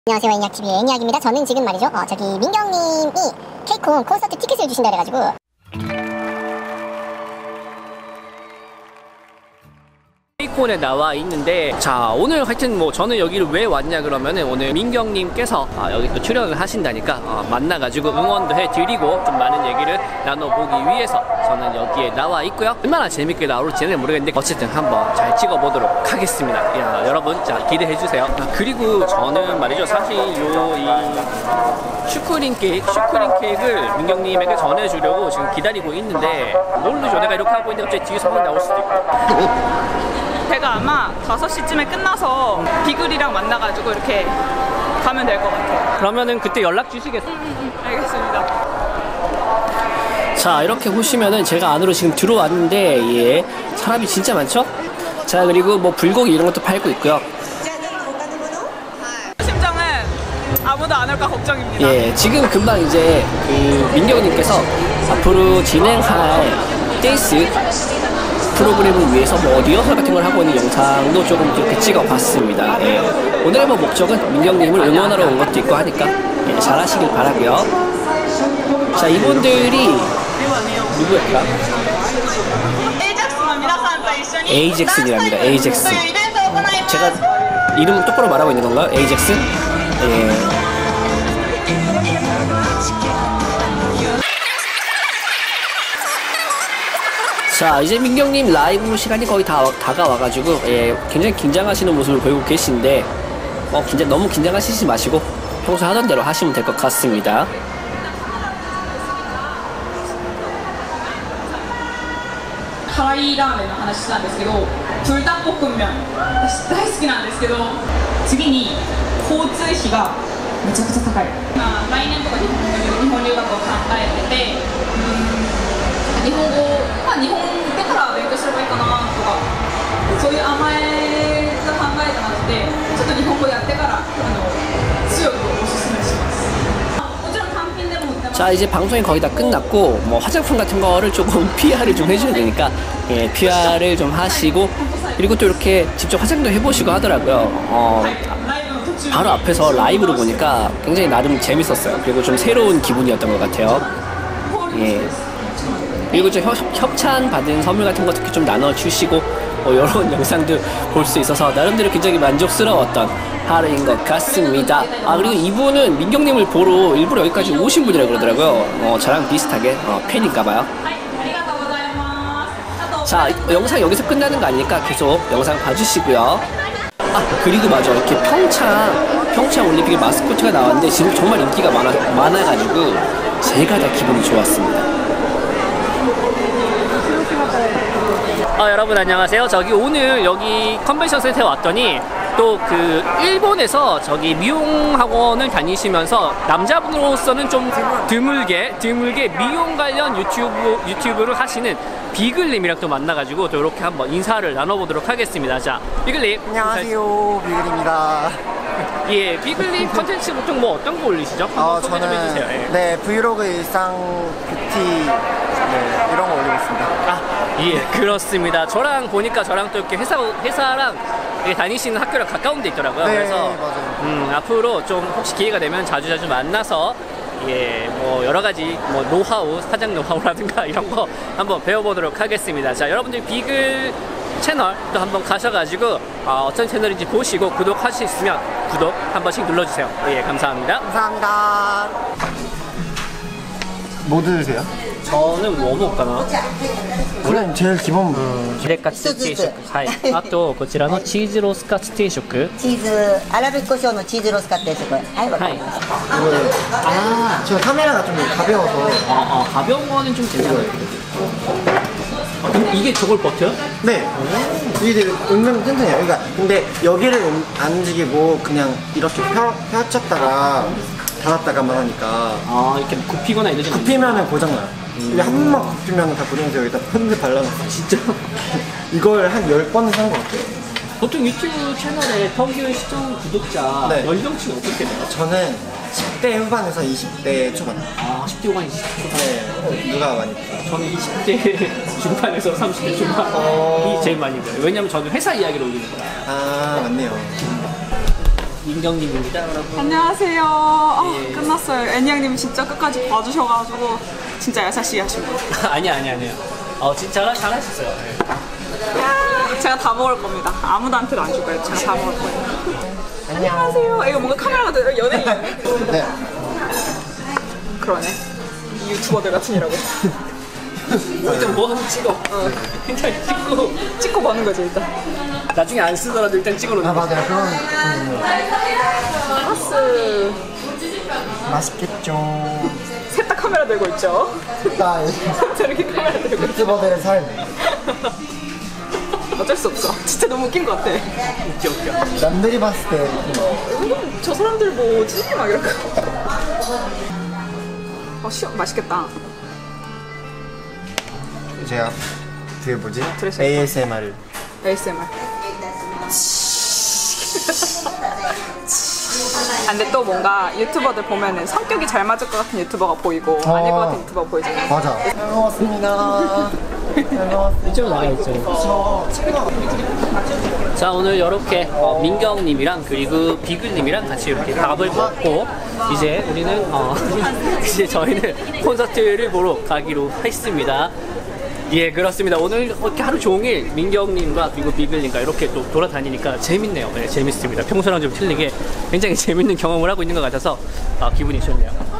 안녕하세요, 애니악TV의 애니악입니다. 저는 지금 말이죠, 저기 민경님이 케이콘 콘서트 티켓을 주신다 그래가지고 케이콘에 나와 있는데, 자, 오늘 하여튼 뭐 저는 여기를 왜 왔냐 그러면은 오늘 민경님께서 여기 또 출연을 하신다니까 만나가지고 응원도 해드리고 좀 많은 얘기를 나눠보기 위해서 저는 여기에 나와 있고요. 얼마나 재밌게 나올지는 모르겠는데 어쨌든 한번 잘 찍어보도록 하겠습니다. 야, 여러분, 자, 기대해주세요. 그리고 저는 말이죠, 사실 이 슈크림 케이크를 민경님에게 전해주려고 지금 기다리고 있는데, 모르죠, 내가 이렇게 하고 있는데 갑자기 뒤에서 확 나올 수도 있고. 제가 아마 5시쯤에 끝나서 비글이랑 만나가지고 이렇게 가면 될 것 같아요. 그러면은 그때 연락 주시겠어요? 알겠습니다. 자, 이렇게 보시면은 제가 안으로 지금 들어왔는데, 예, 사람이 진짜 많죠? 자, 그리고 뭐 불고기 이런 것도 팔고 있고요. 심정은 아무도 안 올까 걱정입니다. 예, 지금 금방 이제 그 민경님께서 앞으로 진행할 댄스 프로그램을 위해서 뭐 리허설 같은 걸 하고 있는 영상도 조금 이렇게 찍어봤습니다. 예. 오늘의 뭐 목적은 민경님을 응원하러 온 것도 있고 하니까 예, 잘하시길 바라고요. 자, 이분들이 누구였더라? 에이젝슨이랍니다. 에이젝슨. 제가 이름 똑바로 말하고 있는 건가요? 에이젝슨? 예. 자, 이제 민경님 라이브 시간이 거의 다가와가지고, 예, 굉장히 긴장하시는 모습을 보이고 계신데, 너무 긴장하시지 마시고 평소 하던 대로 하시면 될 것 같습니다. 카라이 라멘の話なんですけど、불닭볶음면私大好きなんですけど、次に交通費がめちゃくちゃ高い。来年とか日本留学を考えてて、日本語、日本行ってから勉強すればいいかなとか、そういう甘えが考えてなくて、ちょっと日本語やってから強くおすすめします。もちろん単品でも売ってます。 자, 이제 방송이 거의 다 끝났고, 뭐 화장품 같은 거를 조금 PR을 좀 해줘야 되니까, 예, PR을 좀 하시고, 그리고 또 이렇게 직접 화장도 해보시고 하더라고요. 바로 앞에서 라이브로 보니까 굉장히 나름 재밌었어요. 그리고 좀 새로운 기분이었던 것 같아요. 예. 그리고 좀 협찬 받은 선물 같은 거 특히 좀 나눠주시고 이런 영상도 볼 수 있어서 나름대로 굉장히 만족스러웠던 하루인 것 같습니다. 그리고 이분은 민경님을 보러 일부러 여기까지 오신 분이라고 그러더라고요. 저랑 비슷하게 팬인가봐요. 자, 영상 여기서 끝나는 거 아니니까 계속 영상 봐주시고요. 그리고 맞아, 이렇게 평창 올림픽 마스코트가 나왔는데 지금 정말 인기가 많아가지고 제가 다 기분이 좋았습니다. 여러분 안녕하세요. 저기 오늘 여기 컨벤션 센터에 왔더니 또 그 일본에서 저기 미용 학원을 다니시면서 남자분으로서는 좀 드물게 미용 관련 유튜브를 하시는 비글님이랑 또 만나가지고 또 이렇게 한번 인사를 나눠보도록 하겠습니다. 자, 비글님. 안녕하세요, 비글입니다. 예, 비글님 컨텐츠 보통 뭐 어떤 거 올리시죠? 한번 소개 좀 해주세요. 예. 네, 브이로그 일상 뷰티 이런 거 올리고 있습니다. 예, 그렇습니다. 저랑 보니까 저랑 또 이렇게 회사랑 이렇게 다니시는 학교랑 가까운 데 있더라고요. 네, 그래서 맞아요. 앞으로 좀 혹시 기회가 되면 자주 만나서 예, 뭐 여러 가지 뭐 노하우, 화장 노하우라든가 이런 거 한번 배워보도록 하겠습니다. 자, 여러분들 비글 채널 또 한번 가셔가지고 어떤 채널인지 보시고 구독하실 수 있으면 구독 한 번씩 눌러주세요. 예, 감사합니다. 감사합니다. 뭐 드세요? 저는 뭐 먹을까나? 그냥 제일 기본 히레카츠定食 はい。あとこちらのチーズロースカツ定食。 チーズ粗挽き胡椒のチーズロースカツ定食。はい、わかりました。 제가 카메라가 좀 가벼워서 가벼운 거는 좀 괜찮아요. 근데 이게 저걸 버텨요? 네, 이게 되게 은근 튼튼해요. 그러니까 근데 여기를 안 움직이고 그냥 이렇게 펴쳤다가 닫았다가만 하니까 이렇게 굽히거나 이러지 않나요? 굽히면은 고장나요. 이게 한 번만 굽히면 다 고정돼서 여기다 펀드 발라놨어. 진짜? 이걸 한 10번은 산 것 같아요. 보통 유튜브 채널에 평균 시청 구독자 네. 연령층이 어떻게 돼요? 저는 10대 후반에서 20대 초반. 10대 후반, 20대 초반. 네, 누가 많이 봤어요? 저는 20대 중반에서 30대 중반이 제일 많이 봐요. 왜냐면 저는 회사 이야기를 올리는 거라. 맞네요. 민경님입니다, 여러분. 안녕하세요. 끝났어요. 애니양님 진짜 끝까지 봐주셔가지고 진짜 야사시 하신 분. 아니야. 진짜 잘하셨어요. 네. 제가 다 먹을 겁니다. 아무도한테도 안 줄 거예요. 제가 다 먹을 거예요. 안녕하세요. 이거 뭔가 카메라가 되려 연예인. 네. 그러네. 유튜버들 같으니라고. 일단 뭐 하면 찍어. 일단 찍고 보는 거지 일단. 나중에 안 쓰더라도 일단 찍어놓는 아 거지. 맞아요. 그런 파스. 맛있겠죠. 셋 다 카메라 들고 있죠. 나 저렇게 카메라 들고 있죠. 유튜버들의 삶. 어쩔 수 없어. 진짜 너무 웃긴 것 같아. 웃겨. 남들이 봤을 때 저 사람들 뭐지? 막 이럴까. 맛있겠다. 제가 그 뭐지? 들으셨죠? ASMR. ASMR. 근데 또 뭔가 유튜버들 보면은 성격이 잘 맞을 것 같은 유튜버가 보이고 아닐 것 같은 유튜버가 보이잖아요. 맞아. 잘 먹었습니다. 잘 먹었습니다. 이쪽으로 나가있죠. 자, 오늘 이렇게 민경님이랑 그리고 비글님이랑 같이 이렇게 밥을 먹고 이제 우리는 이제 저희는 콘서트를 보러 가기로 했습니다. 예, 그렇습니다. 오늘 이렇게 하루 종일 민경님과 그리고 비글님과 이렇게 또 돌아다니니까 재밌네요. 네, 재밌습니다. 평소랑 좀 틀리게 굉장히 재밌는 경험을 하고 있는 것 같아서 기분이 좋네요.